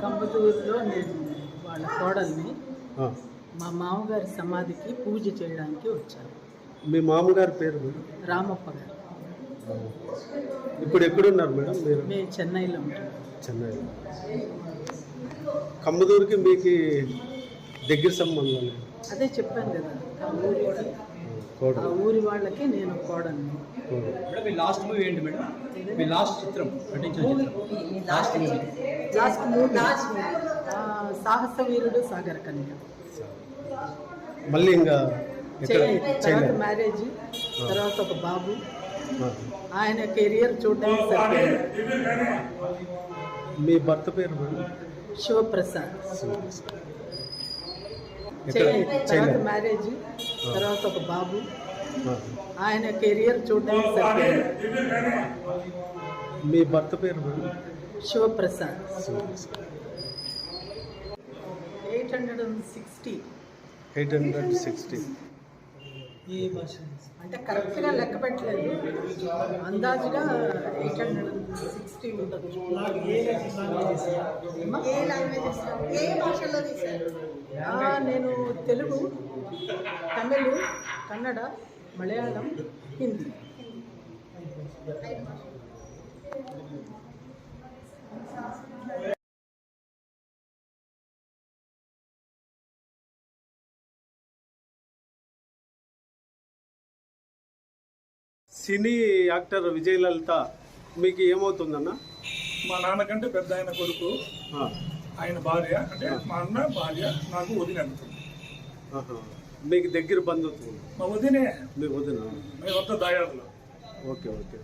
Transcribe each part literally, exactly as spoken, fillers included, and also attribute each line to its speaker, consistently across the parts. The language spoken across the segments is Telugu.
Speaker 1: కంబతూరులో నేను వాళ్ళ కోడల్ని
Speaker 2: ఆ.
Speaker 1: మా మామగారి సమాధికి పూజ చేయడానికి వచ్చాను.
Speaker 2: మీ మామగారి పేరు మేడం?
Speaker 1: రామప్ప గారు.
Speaker 2: ఇప్పుడు ఎక్కడున్నారు మేడం మీరు?
Speaker 1: మేము చెన్నైలో ఉంటాం.
Speaker 2: చెన్నైలో. కంబదూరుకి మీకు దగ్గర సంబంధం?
Speaker 1: అదే చెప్పాను కదా, ఆ ఊరికి
Speaker 2: కోడలు.
Speaker 1: ఆ ఊరి వాళ్ళకి నేను కోడల్ని.
Speaker 2: కోడలు.
Speaker 3: మేడం మీ లాస్ట్ మూవీ ఏంటి మేడం? మీ లాస్ట్ చిత్రం నటించిన చిత్రం లాస్ట్ మూవీ
Speaker 1: లాస్ట్ మూవీ ఆ, సాహస వీరుడు సాగర కన్య.
Speaker 2: మళ్ళీ ఇంకా ఎక్కడ
Speaker 1: చేయలేదు. తర్వాత
Speaker 2: చేయలేదు?
Speaker 1: మ్యారేజ్, తర్వాత ఒక బాబు.
Speaker 2: ఆ.
Speaker 1: ఆయన కెరియర్ చూడడానికి సరిపోయింది.
Speaker 2: మీ భర్త పేరు మేడం?
Speaker 1: శివప్రసాద్.
Speaker 2: ఎక్కడ
Speaker 1: చేయలేదు. తర్వాత
Speaker 2: చేయలేదు?
Speaker 1: మ్యారేజ్, తర్వాత ఒక బాబు.
Speaker 2: ఆ.
Speaker 1: ఆయన కెరియర్ చూడడానికి సరిపోయింది.
Speaker 2: మీ భర్త పేరు madam?
Speaker 1: Shivaprasad. Eight hundred and sixty
Speaker 2: eight hundred sixty.
Speaker 1: ఈ భాష అంటే కరెక్ట్గా లెక్క పెట్టలేదు, అందాజుగా ఎయిట్ హండ్రెడ్ అండ్ సిక్స్టీ ఉండొచ్చు. ఆ, నేను తెలుగు, తమిళ్, కన్నడ, మలయాళం, హిందీ.
Speaker 2: సినీ యాక్టర్ విజయలలిత మీకు ఏమవుతుందన్న?
Speaker 4: మా నాన్నకంటే పెద్ద ఆయన కొడుకు,
Speaker 2: ఆ.
Speaker 4: ఆయన భార్య, అంటే మా అన్న భార్య నాకు వదిన అనుకుంది.
Speaker 2: ఆహా. మీకు దగ్గర బంధుత్వం?
Speaker 4: మా వదినే,
Speaker 2: మీ వదిన?
Speaker 4: మేము వద్ద దాయాదులో.
Speaker 2: Okay okay.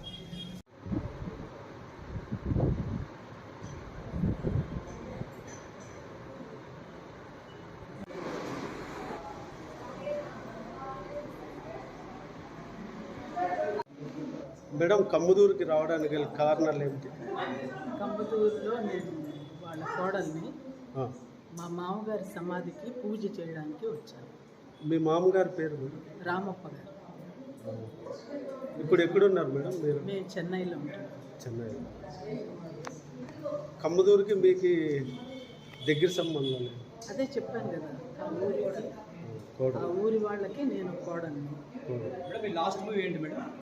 Speaker 2: మేడం, కమ్మదూరుకి రావడానికి గల కారణాలు ఏమిటి?
Speaker 1: కంబతూరులో నేను వాళ్ళ కోడల్ని
Speaker 2: ఆ.
Speaker 1: మా మామగారి సమాధికి పూజ చేయడానికి వచ్చాను.
Speaker 2: మీ మామగారి పేరు మేడం?
Speaker 1: రామప్ప గారు.
Speaker 2: ఇప్పుడు ఎక్కడున్నారు మేడం మీరు?
Speaker 1: మేము చెన్నైలో ఉంటాం.
Speaker 2: చెన్నైలో. కమ్మదూరుకి మీకు దగ్గర సంబంధం?
Speaker 1: అదే చెప్పాను కదా, ఆ ఊరికి ఆ
Speaker 2: కోడలు.
Speaker 1: ఊరి వాళ్ళకి నేను కోడల్ని.
Speaker 2: కోడలు.
Speaker 3: మేడం మీ లాస్ట్ మూవీ ఏంటి మేడం?